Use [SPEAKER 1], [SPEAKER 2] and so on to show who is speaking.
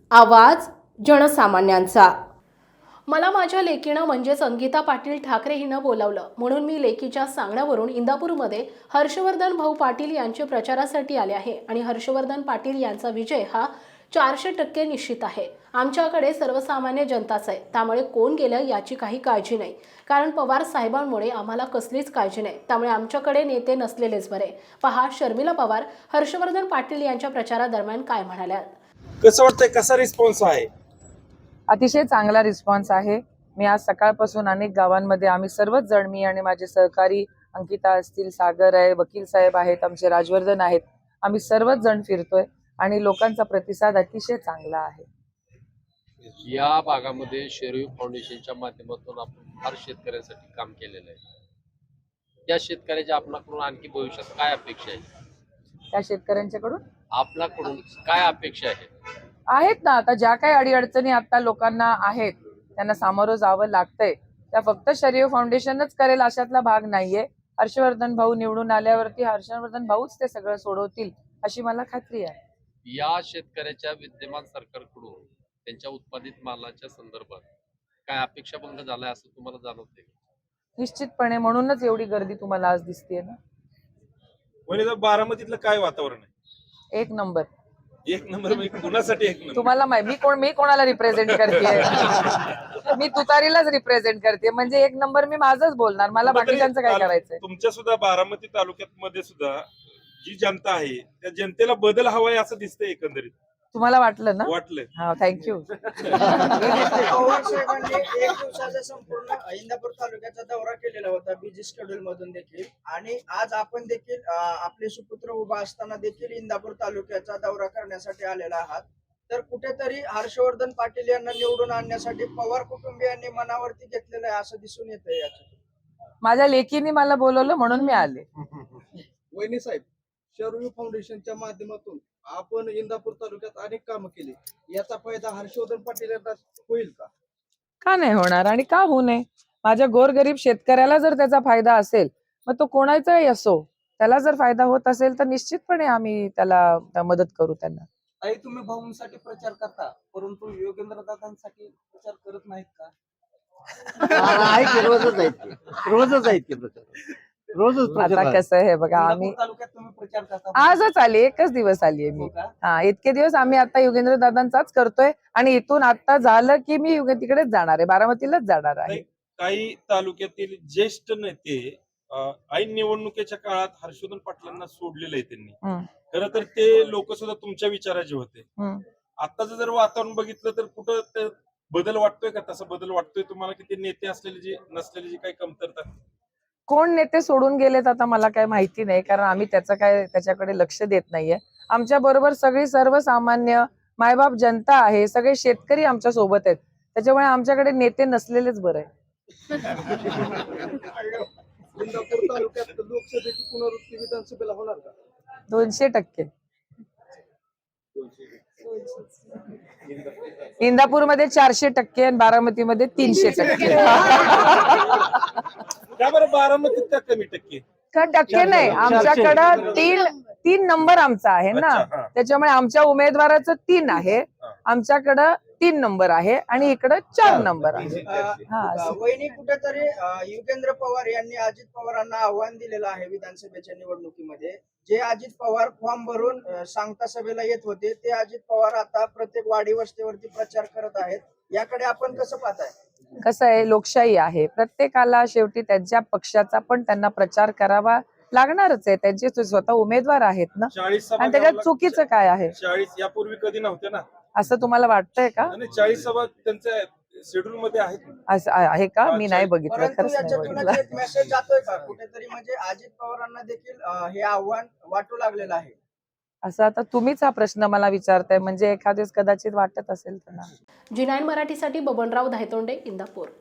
[SPEAKER 1] आवाज जनसामान्यांचा। मला माझ्या लेकीनं म्हणजेच अंकिता पाटील ठाकरे हिनं बोलावलं म्हणून मी लेकीच्या सांगण्यावरून इंदापूरमध्ये हर्षवर्धन भाऊ पाटील यांचे प्रचारासाठी आले आहे आणि हर्षवर्धन पाटील यांचा विजय हा 400% निश्चित आहे। आमच्याकडे सर्वसामान्य जनताच आहे, त्यामुळे कोण गेलं याची काही काळजी नाही, कारण पवार साहेबांमुळे आम्हाला कसलीच काळजी नाही, त्यामुळे आमच्याकडे नेते नसलेलेच बरे। पहा शर्मिला पवार हर्षवर्धन पाटील यांच्या प्रचारादरम्यान काय म्हणाल्या।
[SPEAKER 2] कसं वाटतंय, कसा रिस्पॉन्स आहे?
[SPEAKER 3] अतिशय चांगला रिस्पॉन्स आहे। मी आज सकाळपासून अनेक गावांमध्ये आम्ही सर्वच जण, मी आणि माझे सहकारी अंकिता असतील, सागर आहे, वकील साहेब आहेत, आमचे राजवर्धन आहेत, आम्ही सर्वच जण फिरतोय आणि लोकांचा प्रतिसाद अतिशय चांगला आहे।
[SPEAKER 4] या भागामध्ये शेरयू फाउंडेशनच्या माध्यमातून आपण फार शेतकऱ्यांसाठी काम केलेलं आहे। त्या शेतकऱ्याच्या आपणाकडून आणखी भविष्यात काय अपेक्षा आहे?
[SPEAKER 3] त्या शेतकऱ्यांच्याकडून
[SPEAKER 4] आपल्याकडून काय अपेक्षा
[SPEAKER 3] आहेत ना, आता ज्या काही अडीअडचणी आता लोकांना आहेत, त्यांना सामोरं जावं लागतंय, त्या फक्त शेरयू फाउंडेशनच करेल अशातला भाग नाहीये। हर्षवर्धन भाऊ निवडून आल्यावरती हर्षवर्धन भाऊच ते सगळं सोडवतील अशी मला खात्री आहे।
[SPEAKER 4] या शेतकऱ्याच्या विद्यमान सरकारकडून त्यांच्या उत्पादित मालाच्या संदर्भात काय अपेक्षा भंग झालाय असं तुम्हाला जाणवतंय?
[SPEAKER 3] निश्चितपणे, म्हणूनच एवढी गर्दी तुम्हाला आज दिसतेय ना।
[SPEAKER 2] म्हणजे बारामतीतलं काय वातावरण आहे?
[SPEAKER 3] एक नंबर।
[SPEAKER 2] एक नंबर म्हणजे कुणासाठी एक नंबर?
[SPEAKER 3] तुम्हाला मी कोणाला रिप्रेझेंट करते? मी तुतारीलाच रिप्रेझेंट करते, म्हणजे एक नंबर मी माझंच बोलणार, मला बाकीच्यांचं काय करायचंय?
[SPEAKER 2] तुमच्या सुद्धा बारामती तालुक्यात मध्ये सुद्धा जी जनता आहे त्या जनतेला बदल हवाय असं दिसतंय एकंदरीत।
[SPEAKER 3] तुम्हाला वाटलं ना?
[SPEAKER 2] वाटलं।
[SPEAKER 3] हा, थँक्यू।
[SPEAKER 5] पवार साहेबांनी एक दिवसाचा संपूर्ण इंदापूर तालुक्याचा दौरा केलेला होता, बिझी शेड्यूल मधून देखील, आणि आज आपण देखील आपले सुपुत्र उभा असताना देखील इंदापूर तालुक्याचा दौरा करण्यासाठी आलेला आहात। तर कुठेतरी हर्षवर्धन पाटील यांना निवडून आणण्यासाठी पवार कुटुंबियांनी मनावरती घेतलेलं आहे असं दिसून येतंय याच्यातून।
[SPEAKER 3] माझ्या लेकीने मला बोलवलं म्हणून मी आले।
[SPEAKER 6] वहिनी साहेब, शेरयू फाउंडेशनच्या माध्यमातून आपण इंदापूर तालुक्यात अनेक कामं केली, याचा फायदा हर्षवर्धन पाटील यांना होईल का?
[SPEAKER 3] का नाही होणार आणि का होऊ नये? माझ्या गोरगरीब शेतकऱ्याला जर त्याचा फायदा असेल, मग तो कोणाचाही असो, त्याला जर फायदा होत असेल तर निश्चितपणे आम्ही त्याला मदत करू त्यांना।
[SPEAKER 6] आई, तुम्ही भाऊंसाठी प्रचार करता, परंतु योगेंद्र दादांसाठी प्रचार करत नाहीत का?
[SPEAKER 7] रोजच आहेत की प्रचार, रोजच
[SPEAKER 3] आता कसं आहे बघा, आम्ही
[SPEAKER 6] इंदापूर तालुक्यात तुम्ही प्रचार करता,
[SPEAKER 3] आजच आली, एकच दिवस आलीये मी।
[SPEAKER 6] हो का?
[SPEAKER 3] हा, इतके दिवस आम्ही आता योगेंद्र दादांचाच करतोय आणि इथून आता झालं की मी तिकडेच जाणार आहे, बारामतीलाच जाणार आहे।
[SPEAKER 2] काही तालुक्यातील ज्येष्ठ नेते ऐन निवडणुकीच्या काळात हर्षवर्धन पाटलांना सोडलेलं आहे त्यांनी। खरं तर ते लोक सुद्धा तुमच्या विचाराचे होते। आताच जर वातावरण बघितलं तर कुठं ते बदल वाटतोय का? तसा बदल वाटतोय तुम्हाला की ते नेते असलेले जे नसलेले जी काही कमतरता?
[SPEAKER 3] कोण नेते सोडून गेलेत आता मला काय माहिती नाही, कारण आम्ही त्याच्याकडे लक्ष देत नाहीये। आमच्या बरोबर सगळी सर्वसामान्य मायबाप जनता आहे, सगळे शेतकरी आमच्या सोबत आहेत, त्याच्यामुळे आमच्याकडे नेते नसलेलेच बरं आहे।
[SPEAKER 6] इंदापूर तालुक्यात लोकसभेची पुनरावृत्ती विधानसभेला होणार का?
[SPEAKER 3] 200%। इंदापूरमध्ये 400% आणि बारामतीमध्ये 300%।
[SPEAKER 2] का बरं बारामतीत त्या कमी टक्के?
[SPEAKER 3] का टक्के नाही, आमच्याकडं तीन नंबर आमचा आहे ना,
[SPEAKER 2] अच्छा, हा.
[SPEAKER 3] त्याच्यामुळे आमच्या उमेदवाराचं 3 आहे, आमच्याकडं 3 नंबर आहे आणि इकडं 4 नंबर आहे।
[SPEAKER 5] वहिनी, कुठेतरी युगेंद्र पवार यांनी अजित पवारांना आव्हान दिलेलं आहे विधानसभेच्या निवडणुकीमध्ये। जे अजित पवार फॉर्म भरून सांगता सभेला येत होते, ते अजित पवार आता प्रत्येक वाडी वस्तीवरती प्रचार करत आहेत, याकडे आपण कसं पाहताय?
[SPEAKER 3] कसं आहे, लोकशाही आहे, प्रत्येकाला शेवटी त्यांच्या पक्षाचा पण त्यांना प्रचार करावा लागणारच आहे, त्यांचे स्वतः उमेदवार आहेत ना,
[SPEAKER 2] 40 सभा
[SPEAKER 3] आणि त्याच्यात चुकीचं काय आहे?
[SPEAKER 2] 40 यापूर्वी कधी नव्हते ना,
[SPEAKER 3] असं तुम्हाला वाटतंय का?
[SPEAKER 2] आणि 40 सभा त्यांच्या शेड्यूल मध्ये आहेत।
[SPEAKER 3] असं आहे का? मी नाही बघितलं,
[SPEAKER 5] परंतु
[SPEAKER 3] खरंच नाही
[SPEAKER 5] याच्यातून
[SPEAKER 3] बघितलं।
[SPEAKER 5] एक मेसेज जातोय का कुठेतरी, म्हणजे अजित पवारांना देखील हे आव्हान वाटू लागलेलं आहे?
[SPEAKER 3] असं आता तुम्हीच हा प्रश्न मला विचारताय, म्हणजे एखाद्याच कदाचित वाटत असेल तर ना।
[SPEAKER 1] जी9 मराठीसाठी बबनराव धायतोंडे, इंदापूर।